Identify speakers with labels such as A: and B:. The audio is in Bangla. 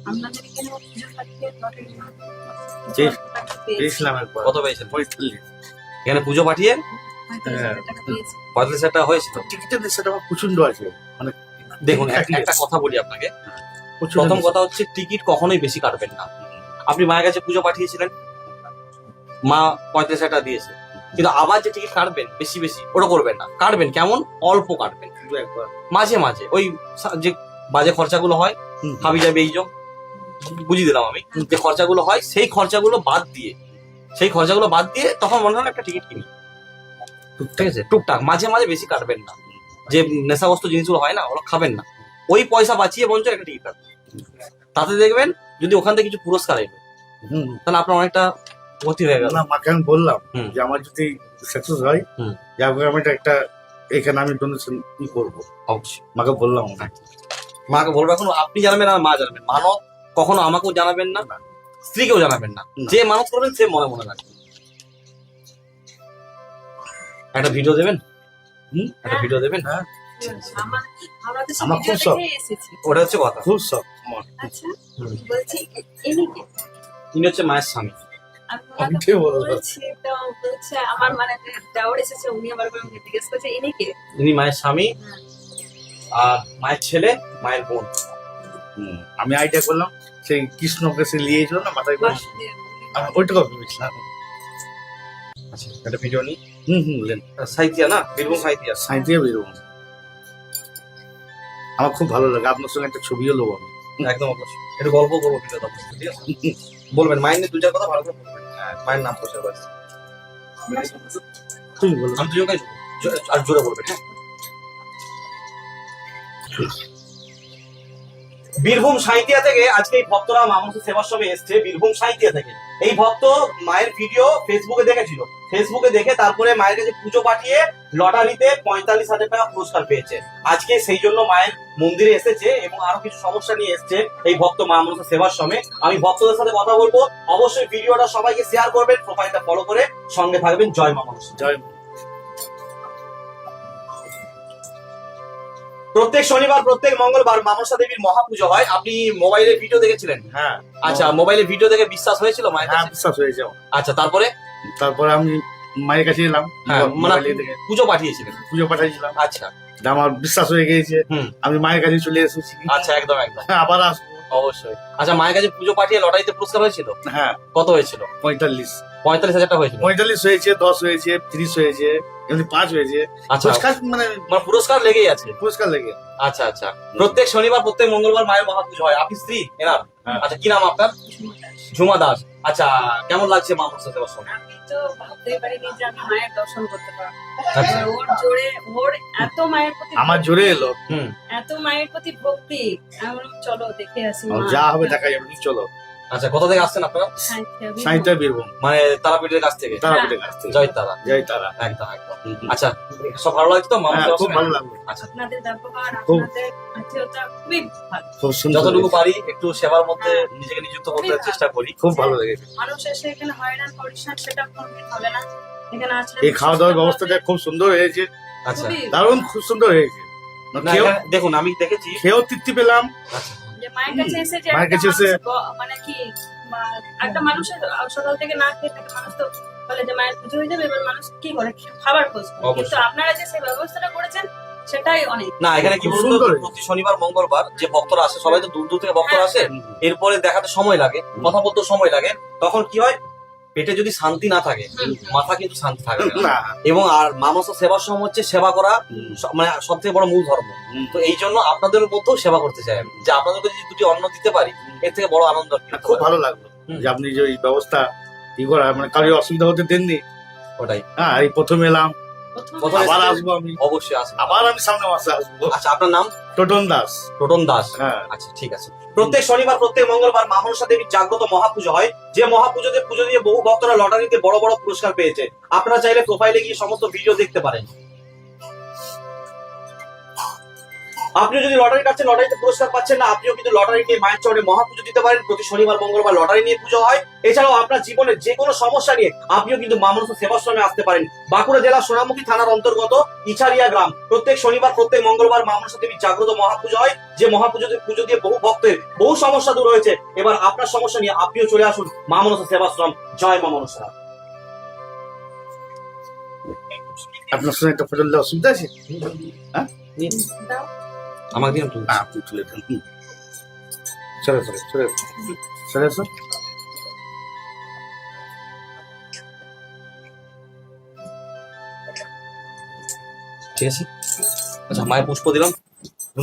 A: আপনাদের এখানে পুজো পাঠিয়ে
B: কত পেয়েছেন? 45। এখানে পুজো পাঠিয়ে 45,000 টাকা হয়েছিল।
C: টিকিটের সেটা প্রচন্ড আছে, মানে
B: দেখুন একটা কথা বলি আপনাকে। প্রথম কথা হচ্ছে টিকিট কখনোই বেশি কাটবেন না। আপনি মায়ের কাছে পুজো পাঠিয়েছিলেন, মা 45,000 টাকা দিয়েছে, কিন্তু আবার যে টিকিট কাটবেন বেশি বেশি ওটা করবেন না। কাটবেন কেমন, অল্প কাটবেন, মাঝে মাঝে ওই যে বাজে খরচাগুলো হয়, হাবি যাবে এই বুঝিয়ে দিলাম আমি, যে খরচাগুলো হয় সেই খরচাগুলো বাদ দিয়ে তখন মনে হয় একটা টিকিট কিনি, ঠিক আছে? টুকটাক মাঝে মাঝে বেশি কাটবেন না। যে নেশাগ্রস্ত জিনিসগুলো হয় না, ওগুলো খাবেন না। ওই পয়সা বাঁচিয়ে বঞ্চ একটা টিকিট কাটবেন। তাতে দেখবেন যদি ওখান থেকে কিছু পুরস্কার এলো, তাহলে আপনার অনেকটা গতি হয়ে গেল।
C: না, মাকে আমি বললাম যে আমার যদি সাকসেস হয়, আমি একটা এখানে আমি ডোনেশন করবো।
B: অবশ্যই
C: মাকে বললাম,
B: মাকে বলবো। এখন আপনি জানাবেন আর মা জানাবেন। মানত কখনো আমাকেও জানাবেন না, স্ত্রীকেও জানাবেন না। যে মানত করবেন সে মনে মনে রাখবেন। একটা ভিডিও দেবেন, একটা ভিডিও দেবেন।
C: হ্যাঁ,
A: আমার খুব শখ,
B: ওটা হচ্ছে কথা,
C: খুব শখ আমার।
A: আচ্ছা বলছি এনিকে
B: ইনি হচ্ছে মায়ের স্বামী।
A: আমার মানে দেওর এসেছে, উনি আবার জিজ্ঞেস করছে এনিকে।
B: ইনি মায়ের স্বামী আর মায়ের ছেলে, মায়ের বোন।
C: আমি আইডিয়া করলাম সেই কৃষ্ণকে সে নিয়েছিল না মাথায় করে, আমি ওইটাকে ভেবেছিলাম।
B: আচ্ছা একটা ভিডিও নিই।
C: বললেন
B: সাহিত্যিয়া না, বীরভূম সাহিত্যিয়া।
C: সাঁইতিয়া বেরোবো, আমার খুব ভালো লাগে। আপনার সঙ্গে একটা ছবিও নেবো আমি।
B: একদম অবশ্যই, একটু গল্প করবো ভিডিও, ঠিক আছে? বলবেন মায়ের নিয়ে দু চার কথা ভালো করে বলবেন। মায়ের নাম প্রচার করছে,
C: তুমি বলো।
B: আমি দুজনকে আর জোরে বলবেন। হ্যাঁ, বীরভূম সাঁইতিয়া থেকে আজকে এই ভক্তরা মামুসের সেবার সময় এসছে। বীরভূম সাঁইতিয়া থেকে এই ভক্ত মায়ের ভিডিও ফেসবুকে দেখেছিল, ফেসবুকে দেখে তারপরে মায়ের কাছে পুজো পাঠিয়ে লটারিতে 45,000 টাকা পুরস্কার পেয়েছে। আজকে সেই জন্য মায়ের মন্দিরে এসেছে এবং আরো কিছু সমস্যা নিয়ে এসছে এই ভক্ত মামুসের সেবার সময়। আমি ভক্তদের সাথে কথা বলবো, অবশ্যই ভিডিওটা সবাইকে শেয়ার করবেন, প্রোফাইলটা ফলো করে সঙ্গে থাকবেন। জয় মা মনসা।
C: জয়।
B: প্রত্যেক শনিবার প্রত্যেক মঙ্গলবার মনসা দেবীর মহাপুজো হয়। আপনি মোবাইলে ভিডিও দেখেছিলেন?
C: হ্যাঁ।
B: আচ্ছা, মোবাইলে ভিডিও দেখে বিশ্বাস হয়েছিল মায়ের
C: হ্যাঁ,
B: কাছে?
C: বিশ্বাস হয়েছে।
B: আচ্ছা,
C: তারপরে আমি মায়ের কাছে এলাম,
B: মানে
C: মোবাইলে দেখে
B: পুজো পাঠিয়েছিলেন?
C: পুজো পাঠাইছিলাম।
B: আচ্ছা,
C: আমার বিশ্বাস হয়ে গিয়েছে, আমি মায়ের কাছে চলে এসেছি।
B: আচ্ছা, একদম একদম,
C: আবার আসবো
B: অবশ্যই। আচ্ছা, মায়ের কাছে পুজো পাঠিয়ে লটারিতে পুরস্কার হয়েছিল?
C: হ্যাঁ।
B: কত হয়েছিল?
C: 45,000
B: টাকা হয়েছিল।
C: 45 হয়েছে, 10 হয়েছে, 30 হয়েছে, এমনি 5 হয়েছে।
B: আচ্ছা,
C: পুরস্কার মানে
B: পুরস্কার লেগেই আছে।
C: পুরস্কার লেগে।
B: আচ্ছা আচ্ছা, প্রত্যেক শনিবার প্রত্যেক মঙ্গলবার মায়ের মহাপুজো হয়। আপনি স্ত্রী এনার? আচ্ছা, কি নাম আপনার? ঝুমা দাস। আচ্ছা, কেমন লাগছে মা মনসা সেবার সময়?
A: আমি তো ভাবতেই পারিনি যে আমি মায়ের দর্শন করতে পারবো।
B: আচ্ছা।
A: ওর এত মায়ের প্রতি,
C: আমার জোরে এলো,
A: এত মায়ের প্রতি ভক্তি। আমি বললাম চলো দেখে আসি
C: যা হবে দেখা যাবে, চলো।
B: আচ্ছা, কোথা থেকে আসছেন আপনারা?
C: সাঁইতিয়া বীরভূম,
B: মানে তারাপীঠের কাছ থেকে?
C: তারাপীঠের কাছ থেকে।
B: জয় তারা,
C: জয় তারা।
B: একদম একদম। আচ্ছা, সব ভালো লাগছে তো?
C: খুব ভালো লাগলো।
B: আচ্ছা,
A: আপনাদের ব্যবহার, আপনাদের আত্মীয়তা খুবই ভালো।
C: খুব সুন্দর।
B: যতটুকু পারি একটু সেবার মধ্যে নিজেকে নিযুক্ত করতে চেষ্টা করি।
C: খুব ভালো লেগেছে।
A: মানুষ এসে এখানে হয়রান পরিশ্রম সেটা কোনদিন হবে না। এখানে আসলে
C: এই খাওয়া দাওয়ার ব্যবস্থাটা খুব সুন্দর হয়েছে।
B: আচ্ছা,
C: দারুণ, খুব সুন্দর হয়েছে।
B: না, এখানে দেখুন আমি দেখেছি,
C: খেয়েও তৃপ্তি পেলাম।
A: যে মায়ের কাছে এসে যে
C: মায়ের কাছে এসে
A: মানে কি একটা মানুষের সকাল থেকে না খেয়ে থাকে, মানুষ তো বলে যে মায়ের পুজো হয়ে যাবে, এবার মানুষ কি করে খাবার খোঁজ করে। কিন্তু আপনারা যে সেই ব্যবস্থাটা করেছেন সেটাই অনেক।
B: না এখানে কি বলুন তো, প্রতি শনিবার মঙ্গলবার যে ভক্তরা আসে সবাই তো দূর দূর থেকে ভক্তরা আসে, এরপরে দেখাতে সময় লাগে, কথা বলতে সময় লাগে। তখন কি হয়, পেটে যদি শান্তি না থাকে মাথা কিন্তু শান্তি থাকে না। এবং আর মানস সেবার সময় হচ্ছে সেবা করা, মানে সব থেকে বড় মূল ধর্ম। তো এই জন্য আপনাদের মধ্যেও সেবা করতে চাই আমি, যে আপনাদেরকে যদি দুটি অন্ন দিতে পারি এর থেকে বড় আনন্দ।
C: খুব ভালো লাগলো যে আপনি যে এই ব্যবস্থা ই করা, মানে কারোর অসুবিধা হতে দেননি।
B: ওটাই।
C: হ্যাঁ, এই প্রথম এলাম, আবার আসবো আমি,
B: অবশ্যই আসবো,
C: আবার আমি সামনে মাসে আসবো।
B: আচ্ছা, আপনার নাম?
C: টোটন দাস।
B: টোটন দাস।
C: হ্যাঁ,
B: আচ্ছা, ঠিক আছে। প্রত্যেক শনিবার প্রত্যেক মঙ্গলবার মা মনসা দেবীর জাগ্রত মহাপুজো হয়। যে মহাপুজোতে পুজো দিয়ে বহু ভক্তরা লটারিতে বড় বড় পুরস্কার পেয়েছে। আপনারা চাইলে প্রোফাইলে গিয়ে সমস্ত ভিডিও দেখতে পারেন। আপনি যদি লটারি কাটছেন, লটারিতে পুরস্কার পাচ্ছেন না, আপনিও কিন্তু লটারি নিয়ে মায়ের চরণে মহাপুজো দিতে পারেন। প্রতি শনিবার মঙ্গলবার লটারি নিয়ে পুজো হয়। এছাড়াও আপনার জীবনের যে কোনো সমস্যা নিয়ে আপনিও কিন্তু মা মনসা সেবাশ্রমে আসতে পারেন। বাঁকুড়া জেলার সোনামুখী থানার অন্তর্গত ইছারিয়া গ্রাম। প্রত্যেক শনিবার প্রত্যেক মঙ্গলবার মা মনসা দেবীর জাগ্রত মহাপুজো হয়, যে পুজো দিয়ে বহু ভক্তের বহু সমস্যা দূর হয়েছে। এবার আপনার সমস্যা নিয়ে আপনিও চলে আসুন মা মনসা সেবাশ্রম। জয় মা মনসা।
C: আপনার সঙ্গে একটা ফটো দিলে অসুবিধা আছে? হ্যাঁ,
A: দাও।
B: আমাকে দিন একটু।
C: হ্যাঁ, আপনি তুলে দেন। চলে চলে চলে চলে আসো।
B: ঠিক আছে, আচ্ছা মায়ের পুষ্প দিলাম।